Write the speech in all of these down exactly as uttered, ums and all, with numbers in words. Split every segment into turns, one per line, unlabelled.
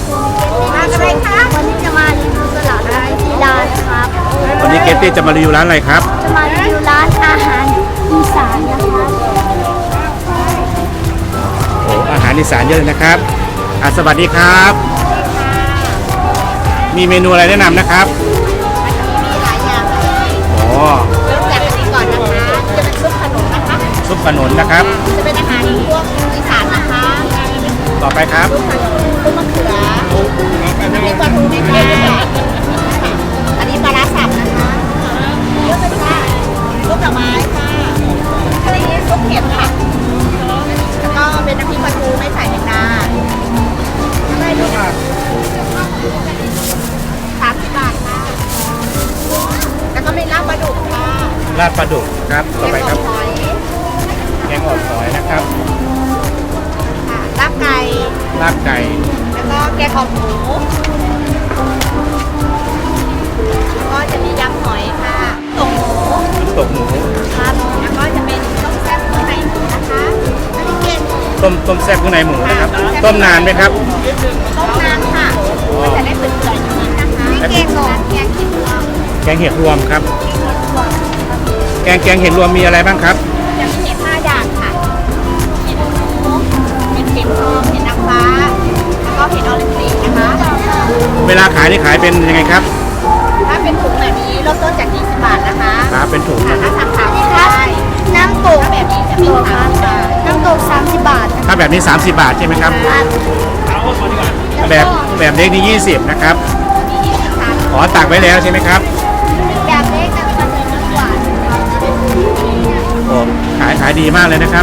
มาอะไรคะวันนี้จะมารีวิวตลาดร้านกีฬานะครับ
วันนี้เกตตี้จะมารีวิวร้านอะไรครับ
จะมารีวิวร้านอาหารอีสานนะครับ
โอ้อาหารอีสานเยอะเลยนะครับอ่ะสวัสดีครับมีเมนูอะไรแนะนำนะครับ
มีหลายอย่างเลย
อ๋อ
เริ่มจากอันนี้ก่อนนะคะจะเป็นซุปขนุนนะคะ
ซุปขนุนนะครับ
จะเป็นอาหารพวกอีสานนะคะ
ต่อไปครับ
ซุปขนุนซุปมะเขืออันนี้ปลาทูนะคะอันนี้ปลาร้าสับนะคะเยอะเลยค่ะซุปหน่อไม้ค่ะอันนี้ซุปเห็ดค่ะแล้วก็เป็นน้ำพริกปลาทูไม่ใส่แมงดาได้ด้วยค่ะสามสิบบาทค่ะแล้วก็มีลาบปลาดุกค่ะ
ลาบปลาดุกครับต่อไปครับแกงอ่อมซอยนะครับ
ลาบไก่
ลาบไก่
แล้วก็แกงอ่อมหมูแล้วก็จะมียำหอยค่ะตกหมู
ตกหมู
ครับแล้วก็จะเป็นต้มแซ่บข้างในหมูนะคะอันนี้เก่ง
ต้มต้มแซ่บข้างในหมูนะครับต้มนานไหมครับ
ต้มนานค่ะก็จะได้เปื่อยๆนิดนะคะนี่แกงหน่อแกงเห็ดรวม
แกงเห็ดรวมครับแกงแกงเห็ดรวมมีอะไรบ้างครับ
จะมีเห็ดห้าอย่างค่ะเห็ดหมูเห็ดเข็มทองเห็ดนางฟ้าแล้วก็เห็ดออริจินนะคะ
เวลาขายนี่ขายเป็นยังไงครับ
ถ้าเป็นถุงแบบนี้เริ่มต้นจากยี่สิบบาทนะคะ
ครับเป็นถุง
ถ้าสั่งขายได้น้ำตกแบบนี้จะเป็นสามบาทน้ำตกสามสิบบาท
ถ้าแบบนี้สามสิบบาทใช่ไหมครับแบบแบบเล็กนี่ยี่สิบนะครับขอตักไว้แล้วใช่ไหมครับ
แบบเล็กจะเป็นน้ำหวาน
โอ้ขายขายดีมากเลยนะครับ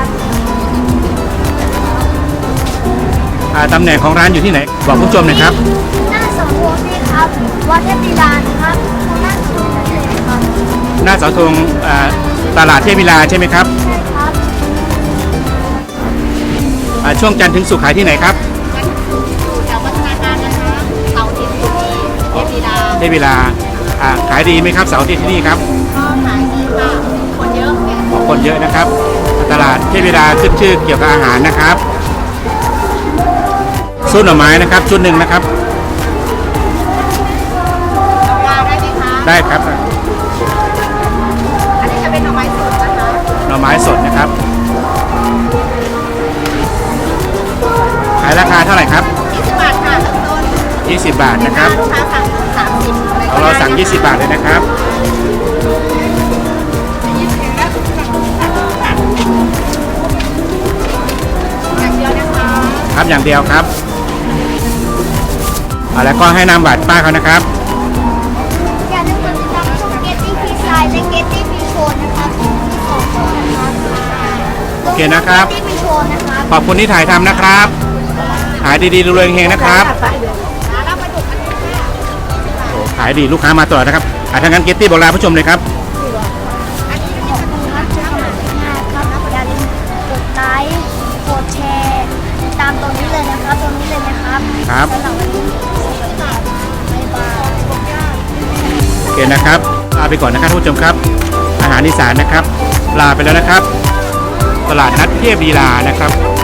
ตำแหน่งของร้านอยู่ที่ไหนบอกผู้ชมหน่อยครับ
หน้าเสาธงนี่ครับวัดเทพลีลาครับ
หน้าเสาธงตลาดเทพลีลาใช่ไหมครับ
ใช่ครับ
ช่วงจันทร์ถึงศุกร์ขายที่ไหนครับ
อยู่แถววัฒนาการนะคะเสาร์อาทิตย์ที่เทพลีลา
เทพลีลาขายดีไหมครับเสาร์อาทิตย์ที่นี่ครับ
ก็ขายดีค่ะคนเยอะ
คนเยอะนะครับตลาดเทพลีลาขึ้นชื่อเกี่ยวกับอาหารนะครับซุปหน่อไม้นะครับชุดหนึ่งนะครับ
ปลาได้ไหมคะ
ได้ครับ
อันนี้จะเป็นหน่อไม้สดนะคะ
หน่อไม้สดนะครับขายราคาเท่าไหร่ครับ
ยี่สิบบาทค่ะต้นต้น
ยี่สิบบาทนะครับ
ลูกค้าสั่งสามสิบ
เราสั่งยี่สิบบาทเลยนะครับ
อย่างเดียวนะคะ
ครับอย่างเดียวครับแล้วก็ให้นามบัตรป้าเขานะครับ
อย่าลืมกดติดตามช่องเกตตี้พีไซด์และเกตตี้พีโชว์นะครับ
โอเคนะครับขอบคุณที่ถ่ายทำนะครับขายดีๆรวยๆเฮงๆนะครับขายดีลูกค้ามาตลอดนะครับอ่ะถ้างั้นเกตตี้บอกลาผู้ชมเลยครับ
อย่าลืมกดไลค์กดแชร์ตามตรงนี้เลยนะครับตรงนี้เลยนะครับ
ครับโอเคนะครับลาไปก่อนนะครับทุกผู้ชมครับอาหารอีสานนะครับลาไปแล้วนะครับตลาดนัดเทพลีลานะครับ